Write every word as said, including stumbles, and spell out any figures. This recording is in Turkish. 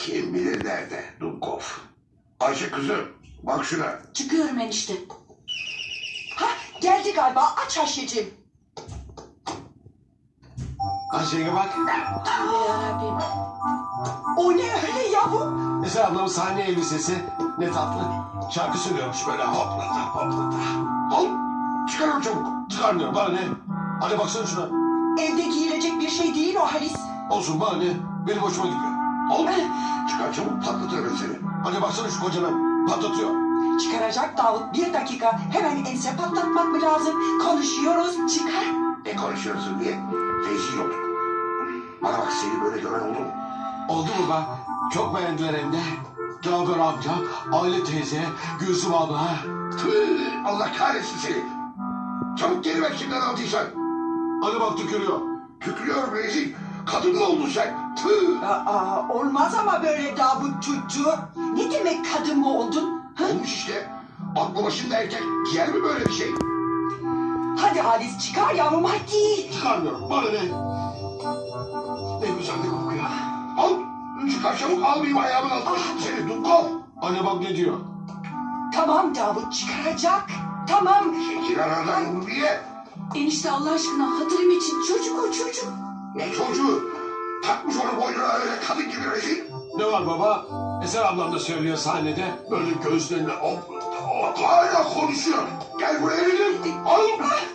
Kim bilir nerede Dumkov. Ayşe kızım bak şuna. Çıkıyorum enişte. Ha geldi galiba, aç Ayşe'cim. Ayşe'ye bak. Tövbe yarabbim. O ne öyle yavrum? Eser ablamın sahne elbisesi ne tatlı. Şarkı söylüyormuş böyle hoplata hoplata. Al çıkar onu çabuk. Çıkarmıyorum bana ne? Hadi baksana şuna. Evde giyilecek bir şey değil o Halis. Olsun bana ne? Benim hoşuma gidiyor. Al çıkar çabuk patlatır ben seni. Hadi baksana şu kocana. Patlatıyor. Çıkaracak Davut, bir dakika. Hemen ense patlatmak mı lazım? Konuşuyoruz, çıkar. Ne konuşuyorsun diye rezil olduk. Bana bak seni böyle gören oldu mu? Oldu mu be? Çok beğendiler hem de. Cafer amca, Aile teyze, Gülsüm abla. Tüh, Allah kahretsin seni. Çabuk geri ver kimden aldıysan. Hadi bak tükürüyor. Tükürüyorum rezil. Kadın mı oldun sen? Tüh. Aa, olmaz ama böyle Davut çocuğu. Ne demek kadın mı oldun? Ha? Olmuş işte. Aklı başında erkek giyer mi böyle bir şey? Hadi Halis çıkar yavrum hadi. Çıkarmıyorum. Bana ne? Ne güzel de kokuyor. Al. Çıkar çabuk almayayım ayağımın altına şimdi seni Dumkov. Anne bak ne diyor? Tamam Davut çıkaracak. Tamam. Çekil aradan Ulviye. Enişte Allah aşkına hatırım için çocuk o çocuk. Ne çocuğu? Takmış onu boynuna öyle kadın gibi rezil. Ne var baba? Eser ablam da söylüyor sahnede. Böyle göğüslerine hop hop. Hala konuşuyor. Gel buraya dedim. Al.